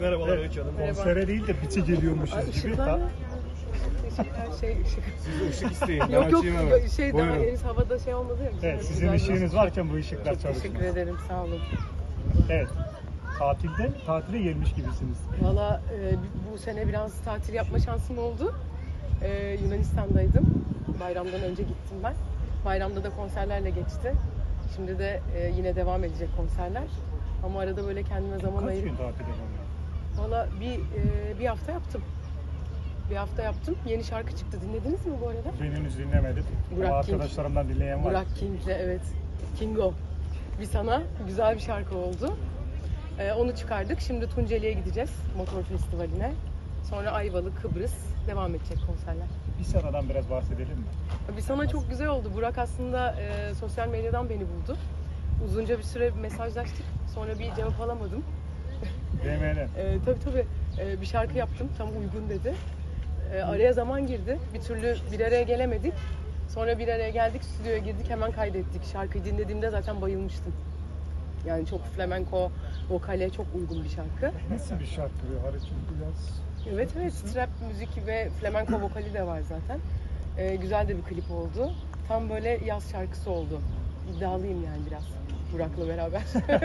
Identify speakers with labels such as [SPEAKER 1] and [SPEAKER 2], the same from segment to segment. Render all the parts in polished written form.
[SPEAKER 1] Merhabalar
[SPEAKER 2] Evet,
[SPEAKER 1] Öykü Hanım.
[SPEAKER 2] konsere değil de biçe geliyormuşuz gibi.
[SPEAKER 3] Işıklar mı? Teşekkürler, ışık.
[SPEAKER 1] Siz ışık isteyin. Ben
[SPEAKER 3] Yok
[SPEAKER 1] açayım hemen.
[SPEAKER 3] daha
[SPEAKER 2] Buyurun.
[SPEAKER 3] henüz havada olmadı ya.
[SPEAKER 2] Evet, sizin ışığınız varken bu ışıklar
[SPEAKER 3] Çok
[SPEAKER 2] çalışmaz.
[SPEAKER 3] teşekkür ederim, sağ olun.
[SPEAKER 2] Evet, tatile gelmiş gibisiniz.
[SPEAKER 3] Valla bu sene biraz tatil yapma şansım oldu. Yunanistan'daydım. Bayramdan önce gittim ben. Bayramda da konserlerle geçti. Şimdi de yine devam edecek konserler. Ama arada böyle kendime zaman
[SPEAKER 2] Kaç
[SPEAKER 3] ayırıp...
[SPEAKER 2] gün tatil yapalım?
[SPEAKER 3] Valla bir hafta yaptım. Bir hafta yaptım. Yeni şarkı çıktı. Dinlediniz mi bu arada?
[SPEAKER 2] Ben henüz dinlemedim.
[SPEAKER 3] Burak
[SPEAKER 2] Ama
[SPEAKER 3] King.
[SPEAKER 2] arkadaşlarımdan dinleyen var.
[SPEAKER 3] Burak King'le, evet. Kingo. Bir sana güzel bir şarkı oldu. Onu çıkardık. Şimdi Tunceli'ye gideceğiz. Motor Festivali'ne. Sonra Ayvalık, Kıbrıs. Devam edecek konserler.
[SPEAKER 2] Bir sıradan biraz bahsedelim mi?
[SPEAKER 3] Bir sana çok güzel oldu. Burak aslında sosyal medyadan beni buldu. Uzunca bir süre mesajlaştık. Sonra bir cevap alamadım.
[SPEAKER 2] DM'den.
[SPEAKER 3] Tabii. Bir şarkı yaptım. Tam uygun dedi. Araya zaman girdi. Bir türlü bir araya gelemedik. Sonra bir araya geldik, stüdyoya girdik, hemen kaydettik. Şarkıyı dinlediğimde zaten bayılmıştım. Yani çok flamenco vokale çok uygun bir şarkı.
[SPEAKER 2] Nasıl bir şarkı bu? Hareketli biraz.
[SPEAKER 3] Evet, trap müzik ve flamenco vokali de var zaten. Güzel de bir klip oldu. Tam böyle yaz şarkısı oldu. İddialıyım yani biraz Burak'la beraber.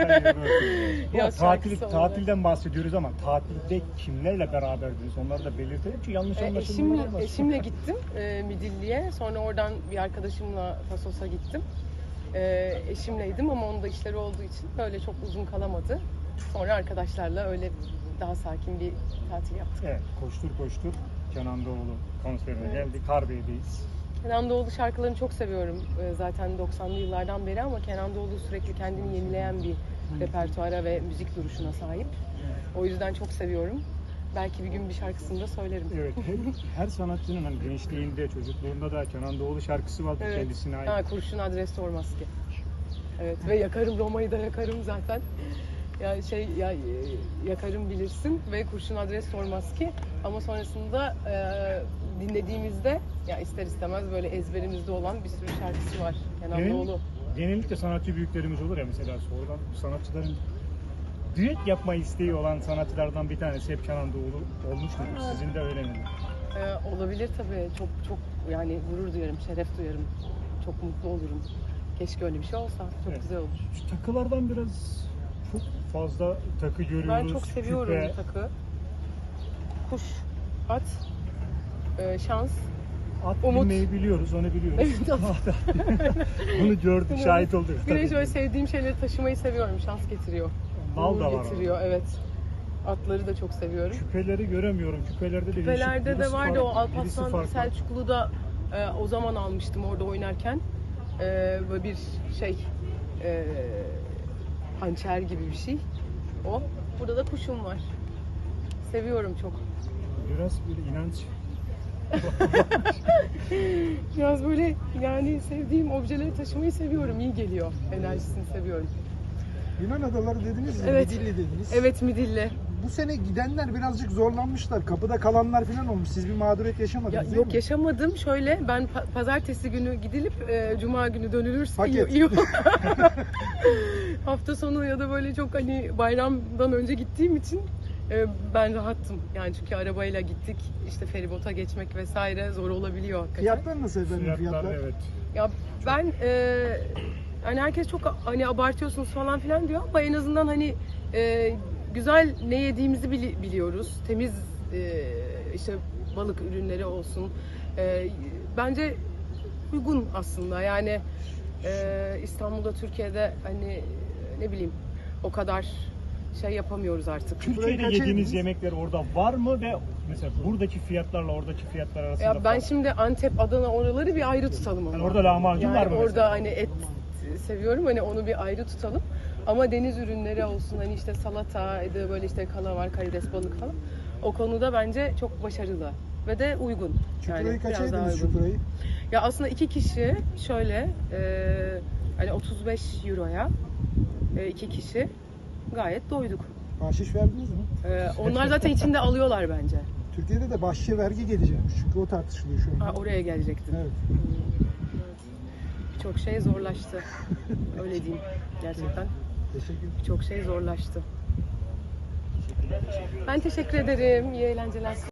[SPEAKER 3] Yaz şarkısı oldu.
[SPEAKER 2] Tatilden bahsediyoruz ama tatilde kimlerle beraberdiniz? Onları da belirtelim ki yanlış anlaşılmalar olmasın.
[SPEAKER 3] Eşimle gittim Midilli'ye. Sonra oradan bir arkadaşımla Tasos'a gittim. Eşimleydim ama onun da işleri olduğu için böyle çok uzun kalamadı. Sonra arkadaşlarla öyle daha sakin bir tatil yaptık.
[SPEAKER 2] Evet, koştur Kenan Doğulu konserine geldik. Harbiye'deyiz.
[SPEAKER 3] Kenan Doğulu şarkılarını çok seviyorum. Zaten 90'lı yıllardan beri ama Kenan Doğulu sürekli kendini yenileyen bir repertuara ve müzik duruşuna sahip. O yüzden çok seviyorum. Belki bir gün bir şarkısını da söylerim.
[SPEAKER 2] Evet, her sanatçının hani gençliğinde, çocukluğunda da Kenan Doğulu şarkısı vardı kendisine ait.
[SPEAKER 3] Kurşun adres sormaz ki. Evet ve yakarım Roma'yı da yakarım zaten. Yani yakarım bilirsin ve kurşun adres sormaz ki. Ama sonrasında dinlediğimizde ya ister istemez böyle ezberimizde olan bir sürü şarkısı var Kenan Doğulu.
[SPEAKER 2] Genellikle sanatçı büyüklerimiz olur ya, mesela sonradan sanatçıların düet yapma isteği olan sanatçılardan bir tanesi hep Kenan Doğulu olmuş mudur? Sizin de öyle mi?
[SPEAKER 3] Olabilir tabii. Çok yani gurur duyarım, şeref duyarım. Çok mutlu olurum. Keşke öyle bir şey olsa. Çok güzel olur.
[SPEAKER 2] Şu takılardan biraz çok fazla takı görüyoruz.
[SPEAKER 3] Ben çok seviyorum
[SPEAKER 2] küpe.
[SPEAKER 3] bu takı. Kuş, at, şans.
[SPEAKER 2] At
[SPEAKER 3] umut.
[SPEAKER 2] bilmeyi biliyoruz, onu biliyoruz.
[SPEAKER 3] Evet, at.
[SPEAKER 2] Bunu gördük, şahit olduk.
[SPEAKER 3] Bir de şöyle sevdiğim şeyleri taşımayı seviyorum. Şans getiriyor.
[SPEAKER 2] Bal da var
[SPEAKER 3] getiriyor, evet. Atları da çok seviyorum.
[SPEAKER 2] Küpeleri göremiyorum.
[SPEAKER 3] Küpelerde de vardı o Alparslan
[SPEAKER 2] farklı.
[SPEAKER 3] Selçuklu'da o zaman almıştım orada oynarken. Böyle bir hançer gibi bir şey. O. Burada da kuşum var. Seviyorum çok.
[SPEAKER 2] Biraz bir inanç.
[SPEAKER 3] Biraz böyle yani sevdiğim objeleri taşımayı seviyorum. İyi geliyor. Enerjisini seviyorum.
[SPEAKER 4] Yunan adaları dediniz ya,
[SPEAKER 3] Evet.
[SPEAKER 4] Midilli dediniz.
[SPEAKER 3] Evet, Midilli.
[SPEAKER 4] Bu sene gidenler birazcık zorlanmışlar. Kapıda kalanlar falan olmuş. Siz bir mağduriyet yaşamadınız değil
[SPEAKER 3] Yok
[SPEAKER 4] mi?
[SPEAKER 3] yaşamadım. Şöyle ben pazartesi günü gidilip cuma günü dönülürse
[SPEAKER 4] Paket.
[SPEAKER 3] iyi. Hafta sonu ya da böyle çok hani bayramdan önce gittiğim için ben rahattım. Yani çünkü arabayla gittik. İşte feribota geçmek vesaire zor olabiliyor hakikaten.
[SPEAKER 4] Fiyatlar nasıl efendim? Fiyatlar?
[SPEAKER 2] Evet.
[SPEAKER 3] Ya ben hani herkes çok hani abartıyorsunuz falan filan diyor ama en azından hani güzel ne yediğimizi biliyoruz. Temiz işte balık ürünleri olsun. Bence uygun aslında. Yani İstanbul'da, Türkiye'de hani ne bileyim o kadar şey yapamıyoruz artık.
[SPEAKER 2] Türkiye'de
[SPEAKER 4] kaça
[SPEAKER 2] yediğiniz
[SPEAKER 4] yediniz?
[SPEAKER 2] yemekler orada var mı ve mesela buradaki fiyatlarla oradaki fiyatlar arasında
[SPEAKER 3] Ya ben
[SPEAKER 2] fark-
[SPEAKER 3] şimdi Antep, Adana oraları bir ayrı tutalım ama.
[SPEAKER 2] Yani orada lahmacun var mı
[SPEAKER 3] orada
[SPEAKER 2] mesela?
[SPEAKER 3] hani et seviyorum hani onu bir ayrı tutalım. Ama deniz ürünleri olsun hani işte salata, böyle işte kalavar, karides, balık falan. O konuda bence çok başarılı ve de uygun.
[SPEAKER 4] Çukurayı kaça
[SPEAKER 3] biraz daha
[SPEAKER 4] yediniz
[SPEAKER 3] uygun.
[SPEAKER 4] çukurayı?
[SPEAKER 3] Ya aslında iki kişi şöyle hani 35 euroya iki kişi gayet doyduk.
[SPEAKER 4] Bahşiş verdiniz mi?
[SPEAKER 3] Onlar zaten içinde alıyorlar bence.
[SPEAKER 4] Türkiye'de de bahşişe vergi gelecekmiş. Çünkü o tartışılıyor şu anda.
[SPEAKER 3] Oraya gelecektim.
[SPEAKER 4] Evet.
[SPEAKER 3] Çok şey zorlaştı. Öyle diyeyim gerçekten.
[SPEAKER 4] Teşekkür
[SPEAKER 3] Çok şey zorlaştı. Ben teşekkür ederim. İyi eğlenceler.